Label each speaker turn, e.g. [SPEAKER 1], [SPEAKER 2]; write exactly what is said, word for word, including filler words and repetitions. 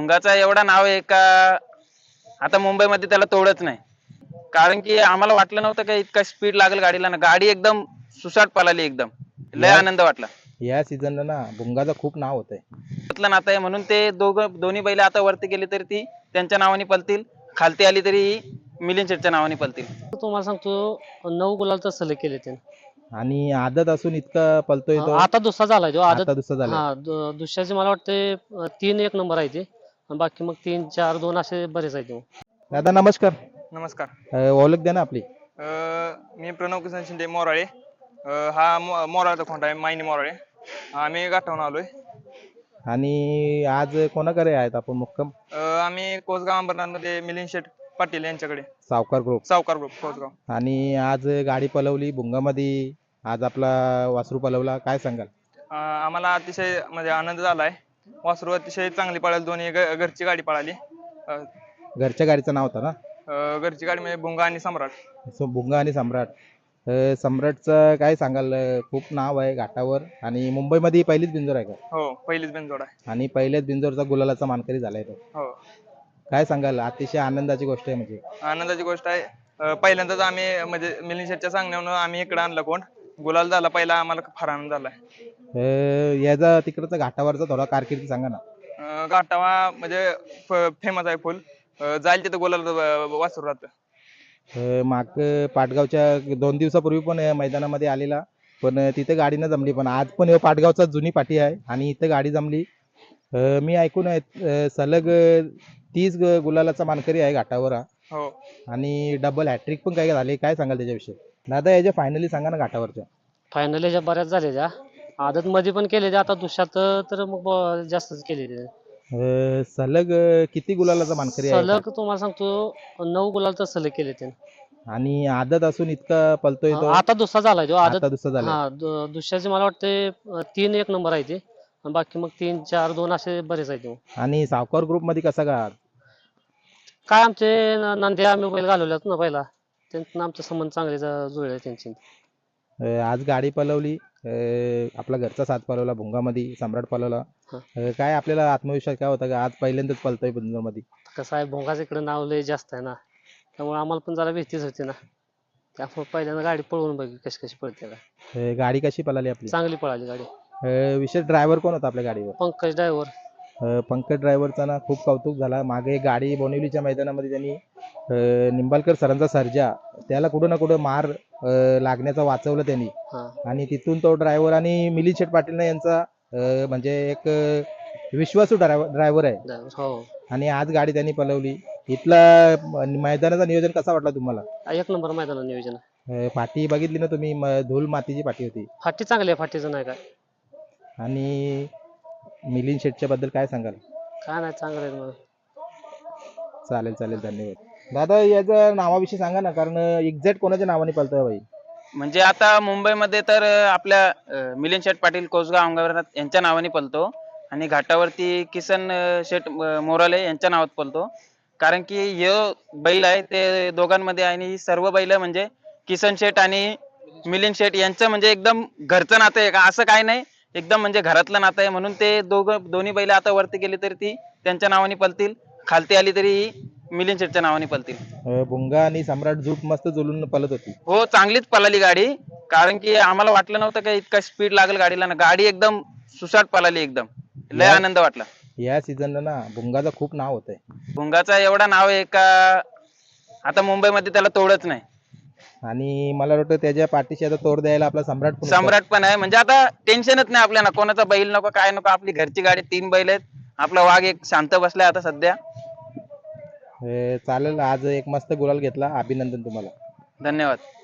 [SPEAKER 1] भुंगाचा एवढा नाव आहे का आता मुंबईमध्ये त्याला तोडच नाही. कारण की आम्हाला वाटलं नव्हतं का इतका स्पीड लागेल गाडीला ना. गाडी एकदम सुसाट पळाली एकदम. लय
[SPEAKER 2] या
[SPEAKER 1] आनंद वाटला.
[SPEAKER 2] या सीझनला ना भुंगाचं खूप नाव होतंय.
[SPEAKER 1] त्यातलं नातं आहे म्हणून ते दोघं दोन्ही बैल आता वरती गेली तरी ती त्यांच्या नावाने पळतील. खालती आली तरी मिलिंद शेटच्या नावाने पळतील.
[SPEAKER 3] तुम्हाला सांगतो नऊ गुलाल तर सलग केले त्याने
[SPEAKER 2] आणि आदत असून इतका पलतोय तो.
[SPEAKER 3] आता दुसरा झालाय तो
[SPEAKER 2] आता
[SPEAKER 3] आदत
[SPEAKER 2] दुसरा झालाय.
[SPEAKER 3] हा दु- दुसऱ्याचे मला वाटते अं, तीन एक नंबर आहे ते आणि बाकी मग तीन चार दोन असे बरेच आहेत ते.
[SPEAKER 2] दादा नमस्कार.
[SPEAKER 4] नमस्कार.
[SPEAKER 2] अं, ओळख द्या ना आपली.
[SPEAKER 4] अ, मी प्रणव किसन शिंदे मोराळे. अ, हा मो- मोराळचा खोंड आहे, मायनी मोराळे. आम्ही गाठावून आलोय.
[SPEAKER 2] आणि आज कोणाकडे आहेत आपण मुक्काम?
[SPEAKER 4] अ, आम्ही कोसगाव अंबरनाथमध्ये मिलिंद शेठ पाटील यांच्याकडे,
[SPEAKER 2] सावकार ग्रुप.
[SPEAKER 4] सावकार ग्रुप कोसगाव.
[SPEAKER 2] आणि आज गाडी पलवली भुंगामध्ये. आज आपला वासरू पलवला, काय सांगाल?
[SPEAKER 4] अ, आम्हाला अतिशय म्हणजे आनंद झालाय. वासरू अतिशय चांगली पळाली, दोन्ही घ- घरची गाडी पळाली. अ,
[SPEAKER 2] घरच्या गाडीचं नाव होतं ना?
[SPEAKER 4] अ, घरची गाडी म्हणजे भुंगा आणि सम्राट.
[SPEAKER 2] सो भुंगा आणि सम्राट. अं, सम्राटचं काय सांगाल? अं, खूप नाव आहे घाटावर आणि मुंबईमध्ये पहिलीच बिंजोर आहे का?
[SPEAKER 4] हो, पहिलीच बिनजोड आहे.
[SPEAKER 2] आणि पहिल्याच बिंजोरचा गुलालाचा मानकरी झालाय तो.
[SPEAKER 4] हो,
[SPEAKER 2] काय सांगाल? अतिशय आनंदाची गोष्ट आहे म्हणजे.
[SPEAKER 4] आनंदाची गोष्ट आहे. अ, पहिल्यांदाच आम्ही म्हणजे मिलिंद शेठच्या सांगण्यावरून आम्ही इकडे आणलं कोण गुलाल झाला पहिला, आम्हाला फार आनंद झालाय.
[SPEAKER 2] अं, याचा तिकडचा घाटावरचा थोडा कारकिर्दी सांगा ना.
[SPEAKER 4] अं, गाठावा म्हणजे फेमस आहे फुल. अं, जाईल तिथं गोलाल वासरू राहतं.
[SPEAKER 2] अं, माग पाटगावच्या दोन दिवसापूर्वी पण या मैदानामध्ये आलेला, पण तिथे गाडी न जमली. पण आज पण ह्यो पाटगावचा जुनी पाठी आहे आणि इथे गाडी जमली. अं, मी ऐकून आहे अं, सलग अं, तीस ग- गुलालाचा मानकरी आहे घाटावर हा.
[SPEAKER 4] हो,
[SPEAKER 2] आणि डबल हॅट्रिक पण काय झाले, काय सांगाल त्याच्याविषयी? दादा याच्या फायनली सांगा ना घाटावरच्या.
[SPEAKER 3] फायनल ह्याच्या बऱ्याच झाल्या त्या आदत मध्ये पण केले ते आता दुसऱ्यात तर मग ब- जास्तच केले ते
[SPEAKER 2] अं, सलग अं, किती गुलालाचा मानकरी आहे?
[SPEAKER 3] सलग तुम्हाला सांगतो नऊ गुलाल तर सलग केले त्याने
[SPEAKER 2] आणि आदत असून इतका पलतोय तो.
[SPEAKER 3] आता दुसरा झालाय तो आदत
[SPEAKER 2] आता दुसरा झाला.
[SPEAKER 3] हा दु- दुसऱ्याचे मला वाटते अं, तीन एक नंबर आहे ते आणि बाकी मग तीन चार दोन असे बरेच आहेत ते.
[SPEAKER 2] आणि सावकार ग्रुप मध्ये कसा का?
[SPEAKER 3] काय आमचे न- नांदे आम्ही बैल घालवल्यात ना पहिला त्यांचं आमचे संबंध चांगले ज- जुळले त्यांचे.
[SPEAKER 2] अं, आज गाडी पलवली. अं, आपला घरचा साथ पलवला भुंगामध्ये, सम्राट पलवला.
[SPEAKER 3] हा.
[SPEAKER 2] अं, काय आपल्याला आत्मविश्वास काय होता का आज पहिल्यांदाच पलतोय मध्ये?
[SPEAKER 3] कसं आहे भोंगाचं इकडे नाव लय जास्त आहे ना त्यामुळे आम्हाला पण जरा भीतीच होती ना त्यामुळे पहिल्यांदा गाडी पळवून बघी कशी कशी पळते का.
[SPEAKER 2] अं, गाडी कशी पळाली आपली?
[SPEAKER 3] चांगली पळाली गाडी.
[SPEAKER 2] अं, विशेष ड्रायव्हर कोण होता आपल्या गाडीवर?
[SPEAKER 3] पंकज ड्रायव्हर.
[SPEAKER 2] अं, पंकज ड्रायव्हरचा ना खूप कौतुक झाला. मागे एक गाडी बोनिवलीच्या मैदानामध्ये त्यांनी अं, निंबाळकर सरांचा सर्जा, त्याला कुठं ना कुठं मार अं, लागण्याचा वाचवलं त्यांनी.
[SPEAKER 3] हा
[SPEAKER 2] आणि तिथून तो ड्रायव्हर आणि मिलिंद शेठ पाटील यांचा अं, म्हणजे एक अं, विश्वासू ड्रायव्हर आहे.
[SPEAKER 3] ड्रायव्हर हो.
[SPEAKER 2] आणि आज गाडी त्यांनी पलवली. इथला म- मैदानाचा नियोजन कसा वाटला तुम्हाला?
[SPEAKER 3] एक नंबर मैदान नियोजन आहे.
[SPEAKER 2] अं, पाटी बघितली ना तुम्ही? म- धूल मातीची पाटी होती.
[SPEAKER 3] फाटी चांगली आहे फाटीचं नाही काय.
[SPEAKER 2] आणि मिलिंद शेठच्या बद्दल काय सांगाल?
[SPEAKER 3] काय नाही चांगलं आहे मग.
[SPEAKER 2] चालेल चालेल, धन्यवाद. दादा याच्या नावाविषयी सांगा ना, कारण एक्झॅक्ट कोणाच्या नावाने पळतोय बाई?
[SPEAKER 1] म्हणजे आता मुंबईमध्ये तर अं, आपल्या अं, मिलिंद शेठ पाटील कोसगाव अंबरनाथ यांच्या नावाने पळतो आणि घाटावरती किसन अं, शेठ अं, मोराळे यांच्या नावात पळतो. कारण की हे बैल आहे ते दोघांमध्ये आहे आणि ही सर्व बैल म्हणजे किसन शेठ आणि मिलिंद शेठ यांचं म्हणजे एकदम घरचं नातं आहे का असं काय नाही. एकदम म्हणजे घरातलं नातं आहे म्हणून ते दोघं दोन्ही बैल आता वरती गेली तरी ती त्यांच्या नावाने पळतील. खालती आली तरी मिलिंद शेठच्या नावाने पळतील.
[SPEAKER 2] अं, भुंगा आणि सम्राट झूट मस्त जुलून पळत होती.
[SPEAKER 1] हो, चांगलीच पळाली गाडी. कारण की आम्हाला वाटलं नव्हतं का इतका स्पीड लागेल गाडीला ना. गाडी एकदम सुसाट पळाली एकदम. लय
[SPEAKER 2] या-
[SPEAKER 1] आनंद वाटला.
[SPEAKER 2] या सीझनला ना भुंगाचं खूप नाव होतंय.
[SPEAKER 1] भुंगाचा एवढा नाव आहे का आता मुंबईमध्ये त्याला तोडच नाही.
[SPEAKER 2] आणि मला वाटतं त्याच्या पाठीशी आता तोड द्यायला आपला सम्राट पण होता.
[SPEAKER 1] सम्राट पण आहे. म्हणजे आता टेन्शनच नाही आपल्याला. कोणाचा बैल नको काय नको. आपली घरची गाडी, तीन बैल आहेत. आपला वाघ एक शांत बसलाय आता सध्या.
[SPEAKER 2] अं, चालेल. आज एक मस्त गुलाल घेतला, अभिनंदन तुम्हाला.
[SPEAKER 1] धन्यवाद.